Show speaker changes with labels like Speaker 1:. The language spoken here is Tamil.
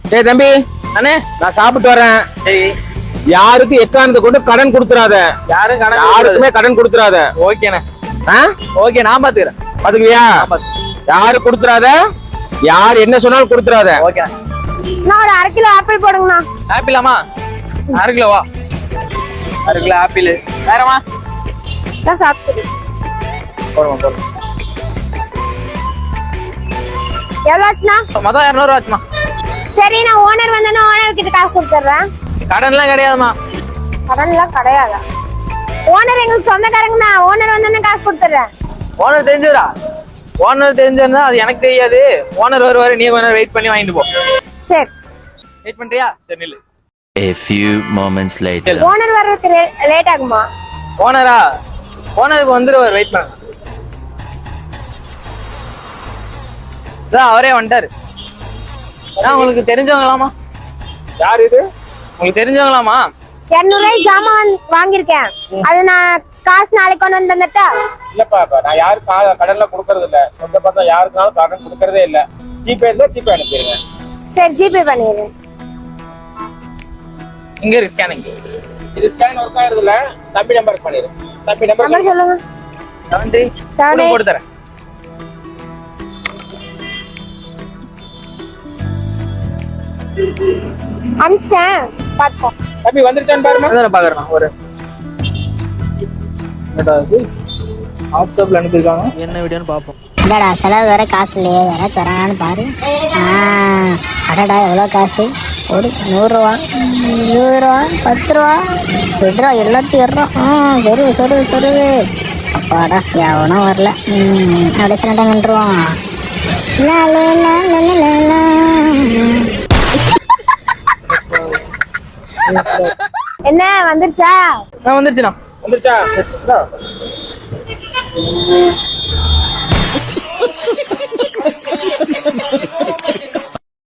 Speaker 1: டேய் தம்பி,
Speaker 2: அண்ணே
Speaker 1: நான் சாப்பிட்டு வரேன்.
Speaker 2: சரி.
Speaker 1: யாருக்கு எக்காரணத்தை கொண்டு கடன் கொடுத்துறாத.
Speaker 2: யாரும் கடன்
Speaker 1: யாருக்குமே கடன் கொடுத்துறாத.
Speaker 2: ஓகேண்ணே.
Speaker 1: ஆ?
Speaker 2: ஓகே, நான் பாத்துக்கிறேன்.
Speaker 1: பாத்துக்கிறியா? யாரு கொடுத்துறாத, யார் என்ன சொன்னாலும் கொடுத்துறாத.
Speaker 2: ஓகேண்ணே.
Speaker 3: நான் ஒரு 1/2 கிலோ ஆப்பிள் போடுங்கண்ணா.
Speaker 2: ஆப்பிளாமா? 1/2 கிலோவா? 1/2 கிலோ ஆப்பிள். வேறமா?
Speaker 3: நான் சாப்பிட்டுக்கிறேன்.
Speaker 2: போடுமா.
Speaker 3: எவ்வளோ ஆச்சுண்ணா?
Speaker 2: மொத்தம் 200 ரூபா ஆச்சுமா.
Speaker 3: சரி, நான் ஓனர் வந்தேன்னா ஓனர் கிட்ட காசு கொடுத்துட்றேன்.
Speaker 2: கடன்லாம் கிடையாதுமா.
Speaker 3: கடன்லாம் கிடையாதா? ஓனர் எங்களுக்கு சொந்தக்காரங்க தான். ஓனர் வந்தோடனே காசு கொடுத்துட்றேன்.
Speaker 2: ஓனர் தெரிஞ்சுடா. ஓனர் தெரிஞ்சிருந்தா அது எனக்கு தெரியாது. ஓனர் வருவாரு, நீ கொஞ்ச நேரம் வெயிட் பண்ணி வாங்கிட்டு போ.
Speaker 3: சரி.
Speaker 2: வெயிட் பண்றியா? சரி நில்லு.
Speaker 4: A few moments later.
Speaker 3: Owner வர்றதுக்கு லேட் ஆகுமா?
Speaker 2: ஓனரா? ஓனருக்கு வந்துருவாரு, வெயிட் பண்ணுங்க. அவரே வந்துட்டாரு. உங்களுக்கு தெரிஞ்சவங்களாமா?
Speaker 1: யார் இது?
Speaker 2: உங்களுக்கு தெரிஞ்சவங்களாமா?
Speaker 3: 200 ரூபாய் ஜாமான் வாங்கியிருக்கேன். அது நான் காசு நாளைக்கு கொண்டு வந்து தந்துட்டா?
Speaker 1: இல்லப்பா, நான் யாருக்கு கடன்ல கொடுக்கறது இல்ல. சொந்த பந்தம் யாருக்குனாலும் கடன் கொடுக்கறதே இல்ல. ஜிபே இருந்தா ஜிபே அனுப்பிடுங்க.
Speaker 3: சரி, ஜிபே பண்ணிடுறேன்.
Speaker 2: இங்க இருக்கு ஸ்கேனிங்.
Speaker 1: இது ஸ்கேன் ஒர்க் ஆயிருது இல்ல. தம்பி நம்பர் பண்ணிரு. தம்பி நம்பர்
Speaker 3: நம்பர் சொல்லுங்க.
Speaker 2: 73 போட்டு தரேன்.
Speaker 3: அனுப்பிச்சிட்டேன், பார்ப்போம்.
Speaker 1: தம்பி வந்துருச்சான்னு பாருமா.
Speaker 2: அதான் பாக்குறேன். ஒரு வாட்ஸ்அப்ல அனுப்பியிருக்காங்க. என்ன வீடியோன்னு பார்ப்போம்.
Speaker 5: அடடா, செலவு வேற காசு இல்லையே, யாராச்சும் வராங்கன்னு பாரு. அடடா, எவ்வளோ காசு? ஒரு 100 ரூபா, 20 ரூபா, 10 ரூபா, 2 ரூபா, எல்லாத்தையும் ஏறுறோம். சொருவு. அப்பாடா, எவனும் வரல. அப்படியே சில டைம் நின்றுவான்.
Speaker 3: என்ன வந்துருச்சா?
Speaker 2: வந்துருச்சுண்ணா.
Speaker 1: வந்துருச்சா?